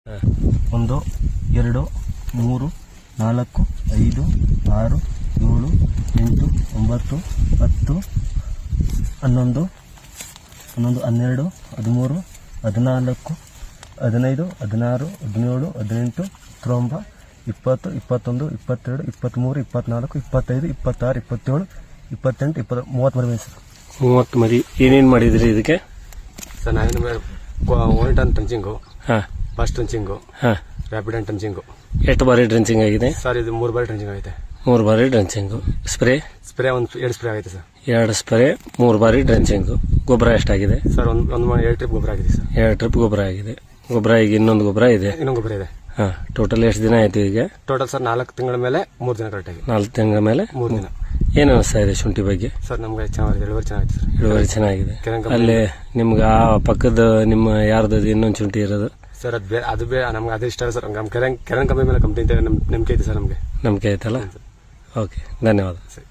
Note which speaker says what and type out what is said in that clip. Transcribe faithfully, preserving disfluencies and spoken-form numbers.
Speaker 1: ಒಂದು ಎರಡು ಮೂರು ನಾಲ್ಕು ಐದು ಆರು ಏಳು ಎಂಟು ಒಂಬತ್ತು ಹತ್ತು ಹನ್ನೊಂದು ಹನ್ನೊಂದು ಹನ್ನೆರಡು ಹದಿಮೂರು ಹದಿನಾಲ್ಕು ಹದಿನೈದು ಹದಿನಾರು ಹದಿನೇಳು ಹದಿನೆಂಟು ಹತ್ತೊಂಬತ್ತು ಇಪ್ಪತ್ತು ಇಪ್ಪತ್ತೊಂದು ಇಪ್ಪತ್ತೆರಡು ಇಪ್ಪತ್ತ್ಮೂರು ಇಪ್ಪತ್ತ್ನಾಲ್ಕು ಇಪ್ಪತ್ತೈದು ಇಪ್ಪತ್ತಾರು ಇಪ್ಪತ್ತೇಳು ಇಪ್ಪತ್ತೆಂಟು ಇಪ್ಪತ್ತು ಮೂವತ್ತು ಮರಿ ಸರ್.
Speaker 2: ಮೂವತ್ತು ಮರಿ ಏನೇನು ಮಾಡಿದ್ರಿ ಇದಕ್ಕೆ
Speaker 3: ಸರ್? ನಾವೇನು ಒನ್ ಟನ್ ಟಂಚಿಂಗು,
Speaker 2: ಹಾಂ,
Speaker 3: ಬಸ್ ಟಂಚಿಂಗು,
Speaker 2: ಹಾಂ,
Speaker 3: ರ್ಯಾಪಿಡ್ ಅಂಡ್ ಟಂಚಿಂಗು.
Speaker 2: ಎಷ್ಟು ಬಾರಿ ಡ್ರೆಂಚಿಂಗ್ ಆಗಿದೆ
Speaker 3: ಸರ್? ಇದು ಮೂರು ಬಾರಿ ಟಂಚಿಂಗ್ ಆಗಿದೆ.
Speaker 2: ಮೂರು ಬಾರಿ ಡ್ರೆಂಚಿಂಗು. ಸ್ಪ್ರೇ
Speaker 3: ಸ್ಪ್ರೇ ಒಂದು ಎರಡು ಸ್ಪ್ರೇ ಆಗೈತೆ ಸರ್.
Speaker 2: ಎರಡು ಸ್ಪ್ರೇ, ಮೂರು ಬಾರಿ ಡ್ರೆಂಚಿಂಗು. ಗೊಬ್ಬರ ಎಷ್ಟಾಗಿದೆ
Speaker 3: ಸರ್? ಒಂದು ಒಂದು ಎರಡು ಟ್ರಿಪ್ ಗೊಬ್ಬರ ಆಗಿದೆ ಸರ್.
Speaker 2: ಎರಡು ಟ್ರಿಪ್ ಗೊಬ್ಬರ ಆಗಿದೆ. ಗೊಬ್ಬರ ಈಗ ಇನ್ನೊಂದು ಗೊಬ್ಬರ ಇದೆ.
Speaker 3: ಇನ್ನೊಂದು ಗೊಬ್ಬರ ಇದೆ.
Speaker 2: ಹಾಂ, ಟೋಟಲ್ ಎಷ್ಟು ದಿನ ಆಯ್ತು ಈಗ?
Speaker 3: ಟೋಟಲ್ ಸರ್ ನಾಲ್ಕು ತಿಂಗಳ ಮೇಲೆ ಮೂರು ದಿನ ಕರೆಕ್ಟಾಗಿ.
Speaker 2: ನಾಲ್ಕು ತಿಂಗಳ ಮೇಲೆ
Speaker 3: ಮೂರು ದಿನ.
Speaker 2: ಏನು ಅನಿಸ್ತಾ ಇದೆ ಶುಂಠಿ ಬಗ್ಗೆ?
Speaker 3: ಸರ್ ನಮ್ಗೆ ಚೆನ್ನಾಗಿದೆ, ಇಳುವರಿ ಚೆನ್ನಾಗಿದೆ ಸರ್.
Speaker 2: ಇಳುವರಿ ಚೆನ್ನಾಗಿದೆ. ಅಲ್ಲಿ ನಿಮ್ಗೆ ಆ ಪಕ್ಕದ ನಿಮ್ಮ ಯಾರ್ದು ಇನ್ನೊಂದು ಶುಂಠಿ ಇರೋದು
Speaker 3: ಸರ್? ಅದು ಬೇ ಅದು ಬೇ ನಮ್ಗೆ ಅದು ಇಷ್ಟ ಸರ್. ನಮ್ಮ ಕೆರೆ ಕೆರೆ ಕಂಪನಿ ಮೇಲೆ ಕಂಪ್ನಿ ನಂಬಿಕೆ ಐತೆ ಸರ್ ನಮಗೆ.
Speaker 2: ನಂಬಿಕೆ ಆಯ್ತಲ್ಲ? ಓಕೆ, ಧನ್ಯವಾದ.
Speaker 3: ಸರಿ.